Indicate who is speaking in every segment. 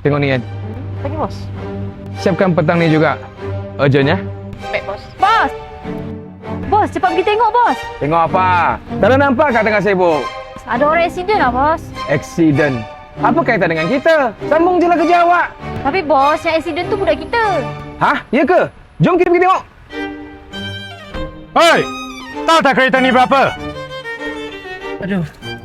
Speaker 1: Tengok ni kan.
Speaker 2: Pagi bos.
Speaker 1: Siapkan petang ni juga. Urgent ya.
Speaker 2: Baik bos. Bos! Bos, cepat pergi tengok bos.
Speaker 1: Tengok apa? Tak ada nampak kat tengah sibuk.
Speaker 2: Ada orang aksiden lah bos.
Speaker 1: Accident. Apa kaitan dengan kita? Sambung je lah kerja awak.
Speaker 2: Tapi bos, yang aksiden tu budak kita.
Speaker 1: Hah? Ya ke? Jom kita pergi tengok.
Speaker 3: Hei! Tahu tak kereta ni berapa?
Speaker 4: Aduh.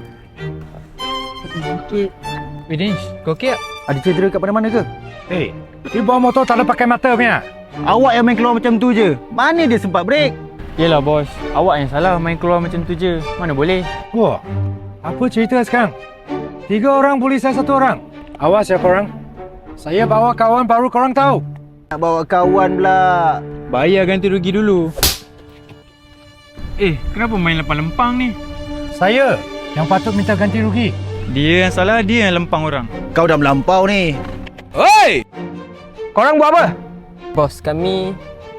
Speaker 4: Sikit. Widish, kau okey tak?
Speaker 5: Ada cedera kat mana-mana ke?
Speaker 3: Hei, di bawah motor tak ada pakai mata punya.
Speaker 5: Awak yang main keluar macam tu je. Mana dia sempat break?
Speaker 4: Yelah bos, awak yang salah main keluar macam tu je. Mana boleh?
Speaker 3: Wah, apa cerita sekarang? 3 orang polis dan 1 orang. Awas ya korang. Saya bawa kawan baru korang tahu.
Speaker 5: Nak bawa kawan pula.
Speaker 4: Bayar ganti rugi dulu. Kenapa main lempang-lempang ni?
Speaker 3: Saya yang patut minta ganti rugi.
Speaker 4: Dia yang salah, dia yang lempang orang.
Speaker 5: Kau dah melampau ni.
Speaker 1: Oi! Korang buat apa?
Speaker 6: Bos, kami...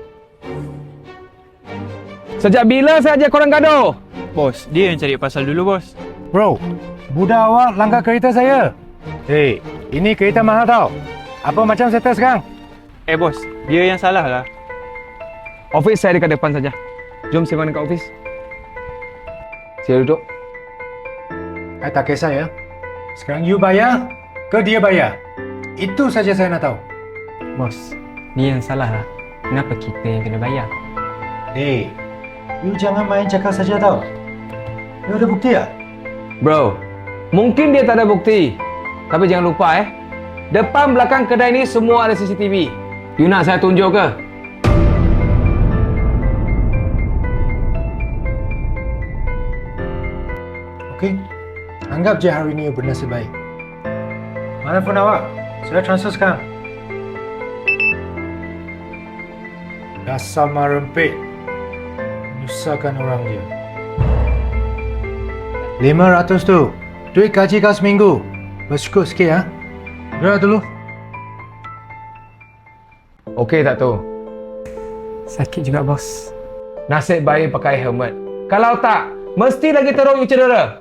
Speaker 1: Sejak bila saja korang gaduh?
Speaker 4: Bos, dia yang cari pasal dulu bos.
Speaker 3: Bro, budak awak langgar kereta saya. Hei, ini kereta mahal tau. Apa macam settle sekarang?
Speaker 4: Bos, dia yang salah lah.
Speaker 1: Office saya dekat depan saja. Jom sembang dekat office. Sila duduk.
Speaker 3: Saya tak kisah ya. Sekarang you bayar ke dia bayar? Itu saja saya nak tahu.
Speaker 6: Bos, dia yang salah lah. Kenapa kita yang kena bayar?
Speaker 3: Hei, you jangan main cakap saja tau. You ada bukti tak?
Speaker 1: Bro, mungkin dia tak ada bukti. Tapi jangan lupa depan belakang kedai ni semua ada CCTV. You nak saya tunjuk ke?
Speaker 3: Okey. Anggap je hari ini you bernasib baik. Mana phone awak? Saya transfer sekarang. Dasar marempit. Menyusahkan orang je. 500 tu. Duit gaji kau seminggu. Bersyukur sikit ya. Gerak dulu.
Speaker 1: Okey tak tu?
Speaker 6: Sakit juga bos.
Speaker 1: Nasib baik pakai helmet. Kalau tak, mesti lagi teruk you cedera.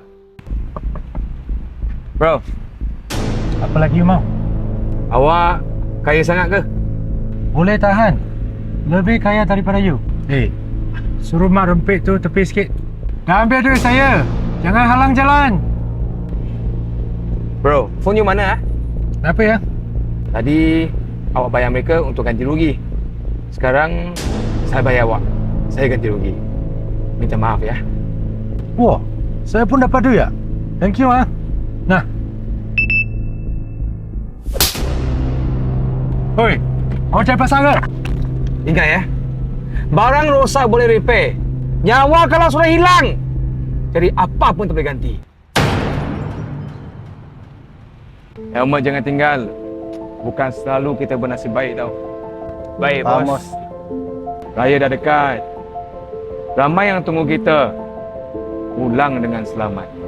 Speaker 1: Bro,
Speaker 3: Apa lagi you mau?
Speaker 1: awak kaya sangat ke?
Speaker 3: Boleh tahan. Lebih kaya daripada you. Hei, suruh mak rempit tu tepi sikit. Dah ambil duit saya. Jangan halang jalan.
Speaker 1: Bro, phone you mana?
Speaker 3: Kenapa ya?
Speaker 1: Tadi awak bayar mereka untuk ganti rugi. Sekarang saya bayar awak. Saya ganti rugi. Minta maaf ya.
Speaker 3: Wah, saya pun dapat duit ya? Thank you ah. Nah. Hoi, awak cari pasal ke?
Speaker 1: Ingat ya. Barang rosak boleh repair. Nyawa kalau sudah hilang, jadi apa pun tak boleh ganti. Helmet jangan tinggal. Bukan selalu kita bernasib baik tau.
Speaker 4: Baik
Speaker 5: Faham,
Speaker 4: bos.
Speaker 5: bos.
Speaker 1: Raya dah dekat. Ramai yang tunggu kita. Pulang dengan selamat.